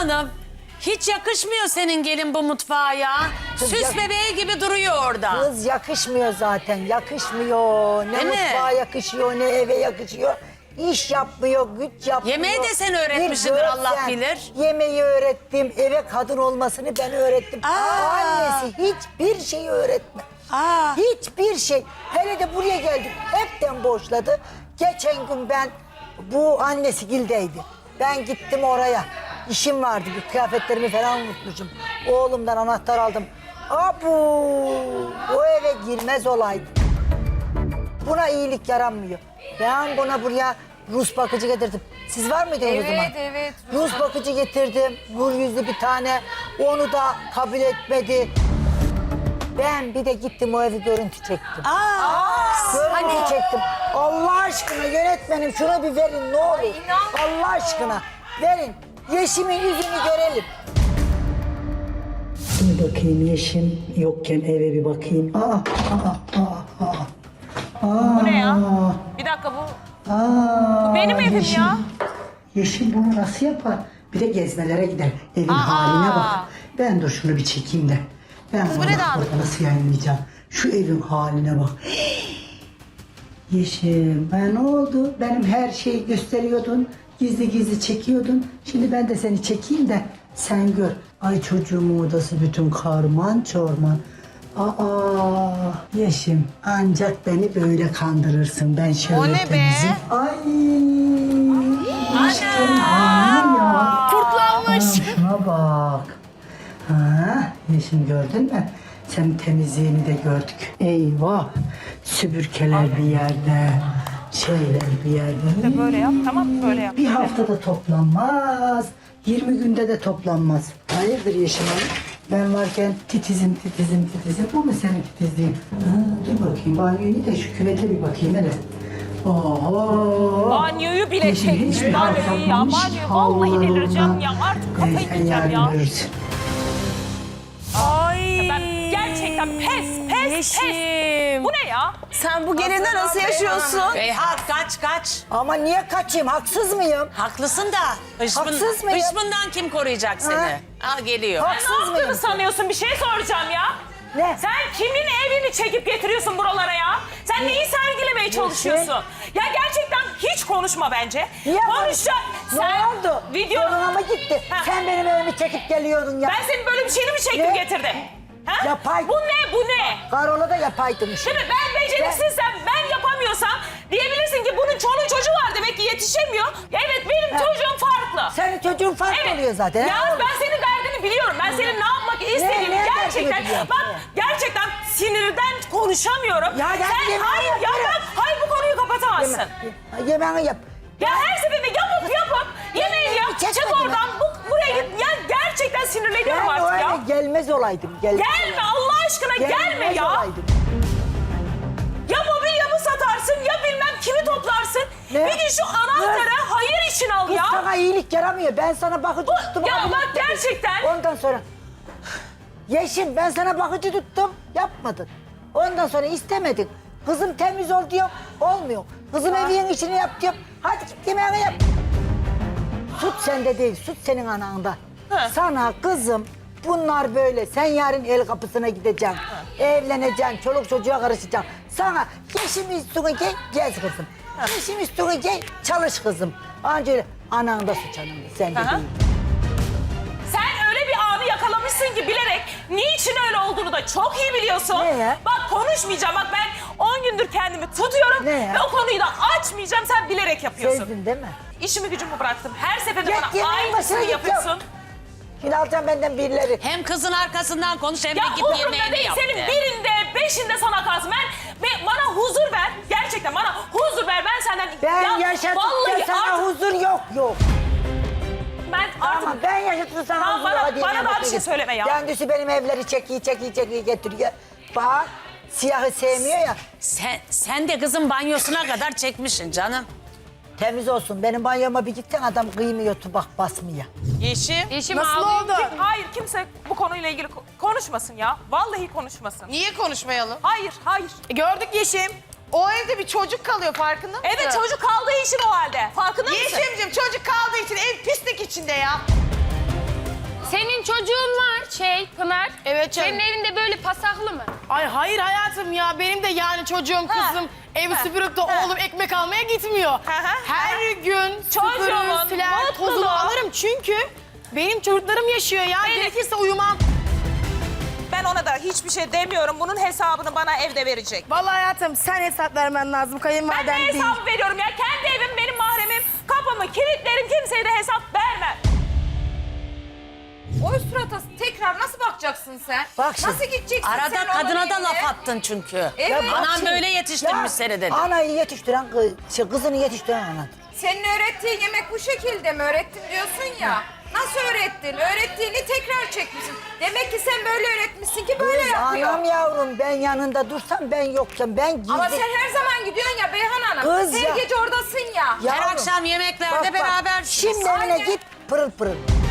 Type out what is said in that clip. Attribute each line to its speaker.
Speaker 1: Hanım, hiç yakışmıyor senin gelin bu mutfağa ya. Süs bebeği gibi duruyor orada.
Speaker 2: Kız yakışmıyor zaten, yakışmıyor. Ne
Speaker 1: Değil mi?
Speaker 2: mutfağa yakışıyor, ne eve yakışıyor. İş yapmıyor, güç yapmıyor.
Speaker 1: Yemeği de sen
Speaker 2: Bir
Speaker 1: öğretmişsindir,
Speaker 2: görsen,
Speaker 1: Allah bilir.
Speaker 2: Yemeği öğrettim, eve kadın olmasını ben öğrettim.
Speaker 1: Aa.
Speaker 2: Annesi hiçbir şeyi öğretmedi.
Speaker 1: Aa.
Speaker 2: Hiçbir şey. Hele de buraya geldik, hepten boşladı. Geçen gün ben, bu annesi Gil'deydi. Ben gittim oraya. İşim vardı, bir kıyafetlerimi falan unutmuşum. Oğlumdan anahtar aldım. Abu, o eve girmez olaydı. Buna iyilik yaranmıyor. Ben buna buraya Rus bakıcı getirdim. Siz var mıydınız o zaman?
Speaker 3: Evet.
Speaker 2: Rus bakıcı getirdim. Nur yüzlü bir tane. Onu da kabul etmedi. Ben bir de gittim o evi görüntü çektim. Görüntü çektim. Allah aşkına yönetmenim şuna bir verin ne olur. Allah aşkına verin. Yeşim'in yüzünü görelim. Bir bakayım Yeşim yokken eve bir bakayım.
Speaker 3: Bu ne ya? Bir dakika bu benim evim
Speaker 2: Yeşim,
Speaker 3: ya.
Speaker 2: Yeşim bunu nasıl yapar? Bir de gezmelere gider. Evin haline bak. Ben dur şunu bir çekeyim de. Ben
Speaker 3: Kız,
Speaker 2: bunu
Speaker 3: bu ne
Speaker 2: bak
Speaker 3: dağınık?
Speaker 2: burada nasıl yayınlayacağım. Şu evin haline bak. Yeşim, ne oldu? Benim her şeyi gösteriyordun. Gizli gizli çekiyordun. Şimdi ben de seni çekeyim de sen gör. Ay çocuğumun odası bütün karman çorman. Yeşim ancak beni böyle kandırırsın. Ben şöyle
Speaker 3: O ne be?
Speaker 2: temizim. Ay. Aşkım halim ya.
Speaker 3: Kurtlanmış.
Speaker 2: Şuna bak. Yeşim gördün mü? Sen temizliğini de gördük. Eyvah. Süpürgeler bir yerde. Şeyler bir yerde.
Speaker 3: Böyle yap, tamam mı? Böyle yap.
Speaker 2: Bir haftada toplanmaz. 20 günde de toplanmaz. Hayırdır Yeşim Hanım? Ben varken titizim. Bu mu senin titizliğin? Dur bakayım banyoyu da şu küvete bir bakayım hele. Oho.
Speaker 3: Banyoyu bile
Speaker 2: Yeşim
Speaker 3: çekmiş.
Speaker 2: hiçbir halt
Speaker 3: Banyoyu ya.
Speaker 2: yapmamış.
Speaker 3: Banyo. Vallahi
Speaker 2: Allah
Speaker 3: delireceğim
Speaker 2: Allah.
Speaker 3: ya. Artık kafayı
Speaker 2: Sen
Speaker 3: yiyeceğim
Speaker 2: yarın
Speaker 3: ya.
Speaker 2: görürsün.
Speaker 3: Ay. Ben gerçekten pes. Bu ne ya?
Speaker 4: Sen bu gelinle nasıl yaşıyorsun?
Speaker 1: Beyhat kaç.
Speaker 2: Ama niye kaçayım? Haksız mıyım?
Speaker 1: Haklısın da
Speaker 2: Haksız mıyım?
Speaker 1: hışmından kim koruyacak seni? Al geliyor.
Speaker 3: Ne
Speaker 2: Haksız
Speaker 3: yaptığını
Speaker 2: mıyım?
Speaker 3: sanıyorsun? Bir şey soracağım ya.
Speaker 2: Ne?
Speaker 3: Sen kimin evini çekip getiriyorsun buralara ya? Sen neyi sergilemeye çalışıyorsun? Ya gerçekten hiç konuşma bence.
Speaker 2: Niye?
Speaker 3: Konuşacak.
Speaker 2: Ne
Speaker 3: Sen
Speaker 2: oldu?
Speaker 3: video...
Speaker 2: Zoruna mı gitti?
Speaker 3: Ha.
Speaker 2: Sen benim evimi çekip geliyordun ya.
Speaker 3: Ben senin böyle bir şeyini mi çektim
Speaker 2: Ne?
Speaker 3: getirdim? Ha?
Speaker 2: Yapay.
Speaker 3: Bu ne?
Speaker 2: Karola da yapaydınmış.
Speaker 3: Değil mi? Ben beceriksizsem, ben yapamıyorsam diyebilirsin ki bunun çoluğu çocuğu var demek ki yetişemiyor. Evet benim çocuğum farklı.
Speaker 2: Senin çocuğun farklı oluyor zaten.
Speaker 3: Ya
Speaker 2: ha?
Speaker 3: ben senin derdini biliyorum. Ben senin ne yapmak istediğini
Speaker 2: ne
Speaker 3: gerçekten...
Speaker 2: derdini biliyorsun?
Speaker 3: Bak gerçekten sinirden konuşamıyorum.
Speaker 2: Ya ben
Speaker 3: Sen
Speaker 2: yemeğimi
Speaker 3: hayır ya
Speaker 2: yaparım.
Speaker 3: hayır bu konuyu kapatamazsın.
Speaker 2: Yemeğini yap.
Speaker 3: Ya her seferinde yapıp yemeğini yap.
Speaker 2: çekmedim
Speaker 3: Çık oradan buraya git. Ya gerçekten sinirleniyorum
Speaker 2: Ben o
Speaker 3: artık
Speaker 2: eve
Speaker 3: ya.
Speaker 2: gelmez olaydım.
Speaker 3: Gelme Allah aşkına gelme ya.
Speaker 2: Olaydım.
Speaker 3: Ya mobilyamı satarsın ya bilmem kimi toplarsın.
Speaker 2: Ne?
Speaker 3: Bir gün şu anahtarı hayır için al
Speaker 2: Kız
Speaker 3: ya.
Speaker 2: sana iyilik yaramıyor. Ben sana bakıcı tuttum.
Speaker 3: ya
Speaker 2: kabul
Speaker 3: bak
Speaker 2: etmedin.
Speaker 3: gerçekten.
Speaker 2: Ondan sonra... Yeşim ben sana bakıcı tuttum. Yapmadın. Ondan sonra istemedin. Kızım temiz ol diyor. Olmuyor. Kızım evin içini yap diyor. Hadi git yemeğini yap. Süt sende değil. Süt senin ananda.
Speaker 3: Hı.
Speaker 2: Sana kızım bunlar böyle. Sen yarın el kapısına gideceksin. Evleneceksin. Çoluk çocuğa karışacaksın. Sana yeşim üstüne gel, gez kızım. Yeşim üstüne gel, çalış kızım. Anca öyle. Ananda suç ananda. Sen de
Speaker 3: Aha.
Speaker 2: değil.
Speaker 3: Sen öyle bir anı yakalamışsın ki bilerek niçin öyle olduğunu da çok iyi biliyorsun.
Speaker 2: Ne ya?
Speaker 3: Bak konuşmayacağım. Bak ben 10 gündür kendimi tutuyorum
Speaker 2: Ne ya?
Speaker 3: ve o konuyu da açmayacağım. Sen bilerek yapıyorsun.
Speaker 2: Sezdin değil mi?
Speaker 3: İşimi gücümü bıraktım. Her seferinde
Speaker 2: Git
Speaker 3: bana
Speaker 2: yemeğin başına
Speaker 3: aynısını
Speaker 2: git
Speaker 3: yapıyorsun.
Speaker 2: yap. Şimdi alacağım benden birileri.
Speaker 1: Hem kızın arkasından konuş hem de
Speaker 3: Ya
Speaker 1: git
Speaker 3: umurumda
Speaker 1: yemeğini
Speaker 3: değil
Speaker 1: yap.
Speaker 3: senin
Speaker 1: de.
Speaker 3: birinde, beşinde sana kalsın. Bana huzur ver. Gerçekten bana huzur ver. Ben senden...
Speaker 2: Ben
Speaker 3: Ya
Speaker 2: yaşatıp
Speaker 3: vallahi
Speaker 2: da sana
Speaker 3: artık
Speaker 2: huzur yok.
Speaker 3: ben artık...
Speaker 2: Ama ben yaşatıp sana
Speaker 3: Tamam,
Speaker 2: huzur
Speaker 3: bana-
Speaker 2: hadi
Speaker 3: bana
Speaker 2: yemeğe
Speaker 3: daha bir şey
Speaker 2: bakayım.
Speaker 3: söyleme ya.
Speaker 2: Kendisi benim evleri çekiyor getiriyor. Bak siyahı sevmiyor ya.
Speaker 1: Sen de kızın banyosuna kadar çekmişsin canım.
Speaker 2: Temiz olsun. Benim banyoma bir gitsen adam kıymıyor tubak basmıyor.
Speaker 1: Yeşim.
Speaker 4: Nasıl oldu?
Speaker 3: Hayır kimse bu konuyla ilgili konuşmasın ya. Vallahi konuşmasın.
Speaker 4: Niye konuşmayalım?
Speaker 3: Hayır.
Speaker 4: Gördük Yeşim. O evde bir çocuk kalıyor farkında mısın?
Speaker 3: Evet çocuk kaldığı için o halde. Farkında mısın?
Speaker 4: Yeşim'cim çocuk kaldığı için ev pislik içinde ya.
Speaker 5: Pınar,
Speaker 4: Evet canım.
Speaker 5: senin evinde böyle pasaklı mı?
Speaker 4: Ay hayır hayatım ya. Benim de yani çocuğum, kızım evi süpürüp de oğlum ekmek almaya gitmiyor. Her gün
Speaker 3: Çocuğumun
Speaker 4: süpürür, siler,
Speaker 3: mutluluğu.
Speaker 4: tozunu alırım çünkü benim çocuklarım yaşıyor ya. Gerekirse uyumam.
Speaker 6: Ben ona da hiçbir şey demiyorum. Bunun hesabını bana evde verecek.
Speaker 4: Vallahi hayatım sen hesap vermen lazım.
Speaker 3: Ben
Speaker 4: Kayınvaliden
Speaker 3: ne
Speaker 4: değil.
Speaker 3: hesabı veriyorum ya? Kendi evim, benim mahremim. Kapımı kilitlerim, kimseye de hesap vermem.
Speaker 7: O surata tekrar nasıl bakacaksın sen?
Speaker 2: Bak şimdi.
Speaker 7: Nasıl gideceksin
Speaker 1: Arada
Speaker 7: sen onun
Speaker 1: kadına da
Speaker 7: evine?
Speaker 1: laf attın çünkü.
Speaker 7: Evet.
Speaker 2: bak
Speaker 1: Anam
Speaker 2: şimdi,
Speaker 1: böyle yetiştirmiş
Speaker 2: ya,
Speaker 1: seni dedi.
Speaker 2: Anayı yetiştiren kızını yetiştiren anadır.
Speaker 7: Senin öğrettiğin yemek bu şekilde mi öğrettin diyorsun ya? Nasıl öğrettin? Öğrettiğini tekrar çekmişsin. Demek ki sen böyle öğretmişsin ki böyle
Speaker 2: Kız,
Speaker 7: yapıyor.
Speaker 2: anam yavrum ben yanında dursam ben yoksam ben gizli.
Speaker 7: Ama sen her zaman gidiyorsun ya Beyhan Hanım.
Speaker 2: Kız
Speaker 7: her
Speaker 2: ya.
Speaker 7: gece oradasın ya.
Speaker 2: Yavrum,
Speaker 1: Her akşam yemeklerde
Speaker 2: bak,
Speaker 1: beraber.
Speaker 2: Şimdi evine
Speaker 7: Aynen.
Speaker 2: git pırıl pırıl.